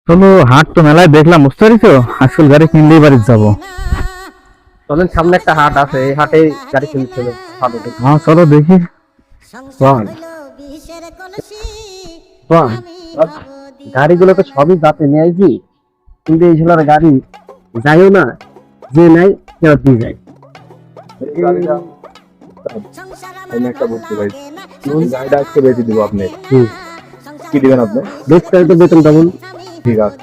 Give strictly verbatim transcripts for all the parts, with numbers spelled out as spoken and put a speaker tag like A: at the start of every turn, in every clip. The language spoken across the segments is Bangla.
A: চলো হাট তো মেলায় দেখলাম বুঝতে পারিস, আজকাল গাড়ি কিনলেই বাড়ি যাবো।
B: চলেন, সামনে একটা হাট আছে, এই হাটে গাড়ি কিনতে হবে।
A: হ্যাঁ চলো দেখি।
B: গাড়িগুলো তো সবই যাতে নিয়ে আইছি, কিন্তু এই ছেলের গাড়ি যাইও না, যে নাই ফেরত দিয়ে যায়।
C: আমি একটা বুঝতে পারছি, গাড়িটা আজকে বেঁচে দিব। আপনি কি দিবেন? আপনি
B: দেখতে তো বেতন তেমন।
C: ঠিক আছে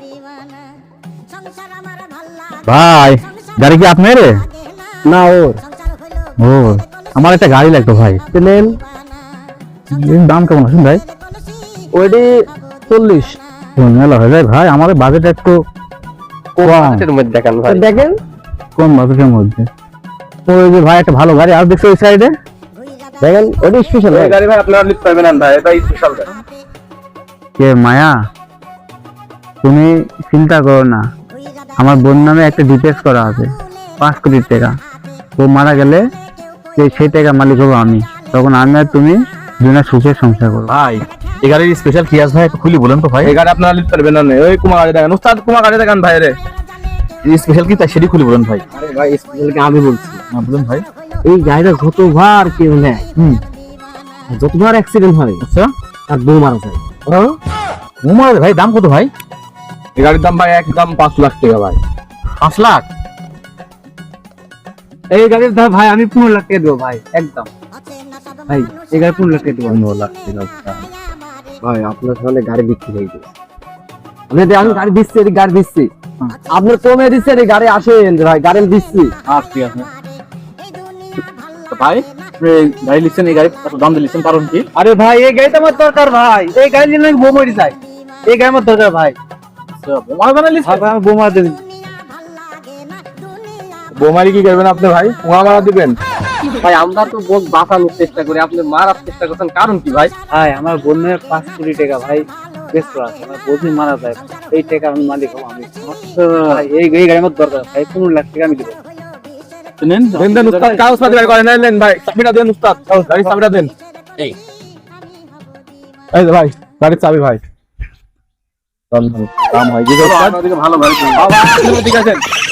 A: ভাই গাড়ি কি আপনার?
B: না ওর।
A: ও আমার একটা গাড়ি লাগতো ভাই।
B: নেন।
A: এর দাম কেমন আছেন ভাই?
B: ওইটি চল্লিশ।
A: মেলা হয়ে যায় ভাই, আমাদের বাজেট একটু কম।
B: মধ্যে দেখেন ভাই, দেখেন
A: কোন বাজেটের মধ্যে? ওই যে ভাই একটা ভালো গাড়ি আর দেখছো ওই সাইডে,
B: দেখেন ওইটা স্পেশাল
C: গাড়ি ভাই, আপনারা লিফট পাবেন না ভাই, এটা স্পেশাল গাড়ি।
A: কে মায়া, তুমি চিন্তা করো না, আমার বোন নামে একটা ডিটেলস করা আছে পাঁচ কোটি টাকা। ও মারা গেলে সেই- সেই টাকা মালিক হবো আমি, তখন আমি আর তুমি দুজনে সুখে সংসার করবো।
D: ভাই এই গাড়ির স্পেশাল কি আছে ভাই, একটু খুলি বলেন তো ভাই।
C: এই গাড়ি আপনারা লিফট পাবেন না। ওই কুমার গাড়ি দেখেন, উস্তাদ কুমার গাড়ি দেখেন ভাই রে।
D: স্পেশাল কি তাই সেটি খুলি বলেন ভাই।
B: আরে ভাই, স্পেশাল কি আমি বলছি?
D: না বলুন ভাই।
B: এই গাড়িটা যতবার কেউ নেয়,
D: হুম
B: যতবার অ্যাক্সিডেন্ট হয়,
D: আচ্ছা
B: আর বউ মারা যায়।
D: মোমার ভাই দাম কত ভাই?
C: এই গাড়ির দাম ভাই একদম পাঁচ লাখ টাকা ভাই।
D: পাঁচ লাখ?
B: এই গাড়ির দাম ভাই আমি পনেরো লাখ টাকা দেবো ভাই, একদম ভাই। এই গাড়ি পনেরো লাখ টাকা দেবো।
C: পনেরো লাখ টাকা
B: ভাই আপনার সামনে গাড়ি বিক্রি হয়ে গেছে। আপনি যে আমি গাড়ি দিচ্ছি, এই গাড়ি দিচ্ছি, আপনার কমে দিচ্ছেন, এই গাড়ি আসেন ভাই, গাড়ি আমি দিচ্ছি।
D: আচ্ছা ঠিক আছে। তো ভাই আপনি গাড়ি লিখছেন, এই গাড়ি এত দাম দিয়ে লিখছেন কারণ কি?
B: আরে ভাই এই গাড়িটা আমার দরকার ভাই, এই গাড়ি নিলে আমি বউ মরে যাই, এই গাড়ি আমার দরকার ভাই।
D: বোমা বানাই লিখছেন?
B: ভাই আমি বউ মারা দেবেন।
C: বোমারি কি করবেন আপনি ভাই? কুমা মারা দিবেন?
B: ভাই আমরা তো বোধ বাঁচানোর চেষ্টা করি, আপনি মারার চেষ্টা করছেন, কারণ কি ভাই? ভাই আমার বোনের পাঁচ কোটি টাকা ভাই বেস্ট আছে, আমার বোঝই মারা যায়, এই টাকা আমি মালিক হবো আমি। ভাই, এই এই গাড়ি আমার দরকার ভাই, পনেরো লাখ টাকা আমি দেবো।
D: তো নেন
C: দেন দেন উস্তাদ, কাগজ পাতি বের করেন। নেন ভাই, চাবিটা দেন উস্তাদ, গাড়ির চাবিটা দেন।
D: এই
C: এই যে ভাই গাড়ির চাবি ভাই।
D: দাম হয় কি?
C: ভালো ভাই, ঠিক আছে।